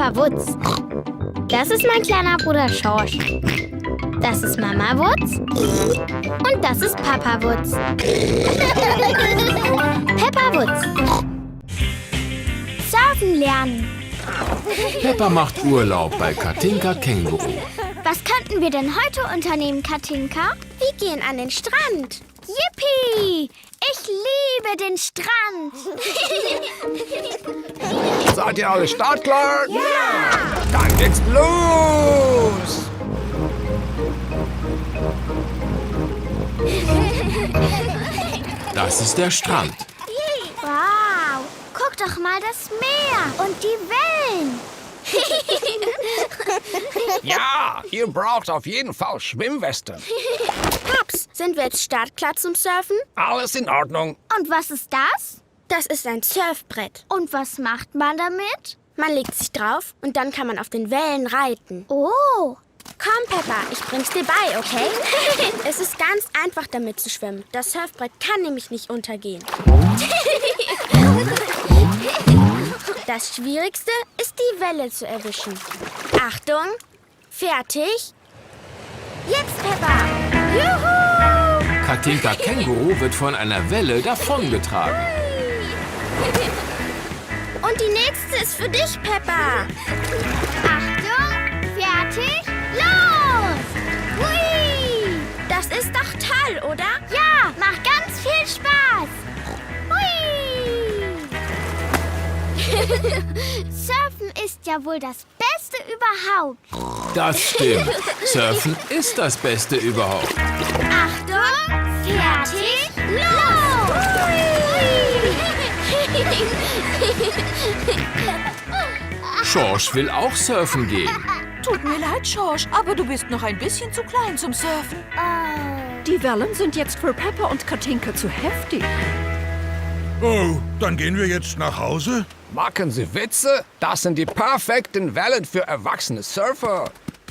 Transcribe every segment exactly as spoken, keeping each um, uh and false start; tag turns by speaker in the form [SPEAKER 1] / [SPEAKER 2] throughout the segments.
[SPEAKER 1] Papa Wutz. Das ist mein kleiner Bruder Schorsch. Das ist Mama Wutz. Und das ist Papa Wutz. Peppa Wutz. Surfen lernen.
[SPEAKER 2] Peppa macht Urlaub bei Katinka Känguru.
[SPEAKER 1] Was könnten wir denn heute unternehmen, Katinka? Wir gehen an den Strand. Yippie! Ich liebe den Strand.
[SPEAKER 3] Seid ihr alle startklar?
[SPEAKER 1] Ja!
[SPEAKER 3] Dann geht's los!
[SPEAKER 2] Das ist der Strand.
[SPEAKER 1] Wow! Guck doch mal das Meer und die Wellen.
[SPEAKER 3] Ja, ihr braucht auf jeden Fall Schwimmwesten.
[SPEAKER 4] Paps, sind wir jetzt startklar zum Surfen?
[SPEAKER 3] Alles in Ordnung.
[SPEAKER 1] Und was ist das?
[SPEAKER 4] Das ist ein Surfbrett.
[SPEAKER 1] Und was macht man damit?
[SPEAKER 4] Man legt sich drauf und dann kann man auf den Wellen reiten.
[SPEAKER 1] Oh!
[SPEAKER 4] Komm, Peppa, ich bring's dir bei, okay? Es ist ganz einfach, damit zu schwimmen. Das Surfbrett kann nämlich nicht untergehen. Das Schwierigste ist, die Welle zu erwischen. Achtung, fertig. Jetzt, Peppa. Juhu!
[SPEAKER 2] Katinka Känguru wird von einer Welle davongetragen.
[SPEAKER 4] Und die nächste ist für dich, Peppa.
[SPEAKER 1] Achtung! Fertig! Los! Hui!
[SPEAKER 4] Das ist doch toll, oder?
[SPEAKER 1] Ja, macht ganz viel Spaß! Hui! Surfen ist ja wohl das Beste überhaupt.
[SPEAKER 2] Das stimmt. Surfen ist das Beste überhaupt.
[SPEAKER 1] Achtung! Fertig! Los!
[SPEAKER 2] Schorsch will auch surfen gehen.
[SPEAKER 5] Tut mir leid, Schorsch, aber du bist noch ein bisschen zu klein zum Surfen.
[SPEAKER 1] Oh.
[SPEAKER 5] Die Wellen sind jetzt für Peppa und Katinka zu heftig.
[SPEAKER 6] Oh, dann gehen wir jetzt nach Hause?
[SPEAKER 3] Machen Sie Witze? Das sind die perfekten Wellen für erwachsene Surfer.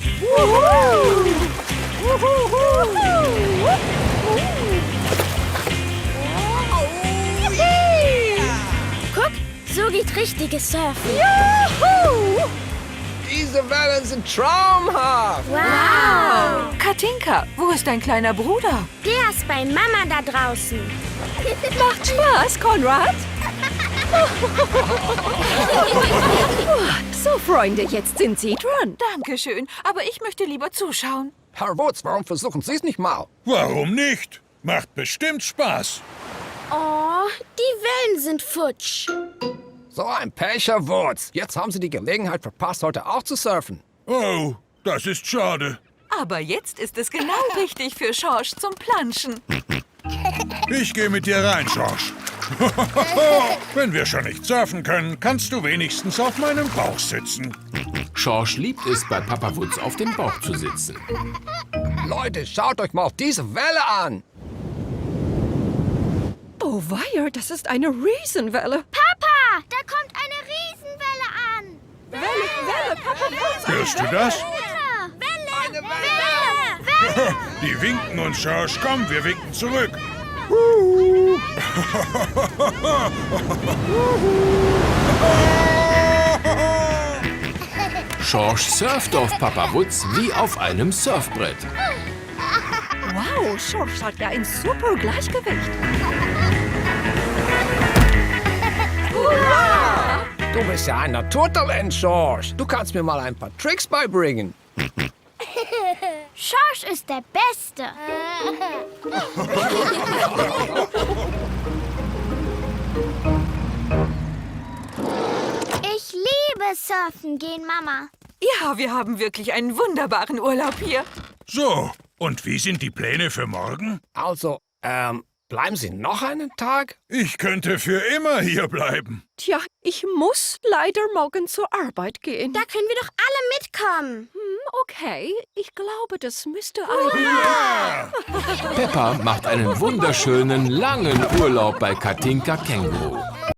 [SPEAKER 4] Guck, so geht richtiges Surfen.
[SPEAKER 3] Diese Wellen sind traumhaft.
[SPEAKER 4] Wow!
[SPEAKER 5] Katinka, wo ist dein kleiner Bruder?
[SPEAKER 4] Der ist bei Mama da draußen.
[SPEAKER 5] Macht Spaß, Konrad. So, Freunde, jetzt sind Sie dran. Dankeschön, aber ich möchte lieber zuschauen.
[SPEAKER 3] Herr Wutz, warum versuchen Sie es nicht mal?
[SPEAKER 6] Warum nicht? Macht bestimmt Spaß.
[SPEAKER 4] Oh, die Wellen sind futsch.
[SPEAKER 3] So ein Pech, Herr Wutz. Jetzt haben Sie die Gelegenheit verpasst, heute auch zu surfen.
[SPEAKER 6] Oh, das ist schade.
[SPEAKER 5] Aber jetzt ist es genau richtig für Schorsch zum Planschen.
[SPEAKER 6] Ich gehe mit dir rein, Schorsch. Wenn wir schon nicht surfen können, kannst du wenigstens auf meinem Bauch sitzen.
[SPEAKER 2] Schorsch liebt es, bei Papa Wutz auf dem Bauch zu sitzen.
[SPEAKER 3] Leute, schaut euch mal diese Welle an.
[SPEAKER 5] Oh weia, das ist eine Riesenwelle.
[SPEAKER 1] Papa, da kommt eine Riesenwelle an.
[SPEAKER 5] Welle, Welle, Papa Wutz.
[SPEAKER 6] Hörst du das?
[SPEAKER 1] Welle!
[SPEAKER 3] Eine Welle!
[SPEAKER 1] Welle!
[SPEAKER 6] Die winken uns, Schorsch. Komm, wir winken zurück.
[SPEAKER 2] Schorsch surft auf Papa Wutz wie auf einem Surfbrett.
[SPEAKER 5] Wow, Schorsch hat ja ein super Gleichgewicht.
[SPEAKER 3] Du bist ja ein Naturtalent, Schorsch. Du kannst mir mal ein paar Tricks beibringen.
[SPEAKER 1] Schorsch ist der Beste. Ich liebe Surfen gehen, Mama.
[SPEAKER 5] Ja, wir haben wirklich einen wunderbaren Urlaub hier.
[SPEAKER 6] So, und wie sind die Pläne für morgen?
[SPEAKER 3] Also, ähm, bleiben Sie noch einen Tag?
[SPEAKER 6] Ich könnte für immer hier bleiben.
[SPEAKER 5] Tja, ich muss leider morgen zur Arbeit gehen.
[SPEAKER 4] Da können wir doch alle mitkommen.
[SPEAKER 5] Hm, okay, ich glaube, das müsste eigentlich...
[SPEAKER 2] Peppa macht einen wunderschönen, langen Urlaub bei Katinka Känguru.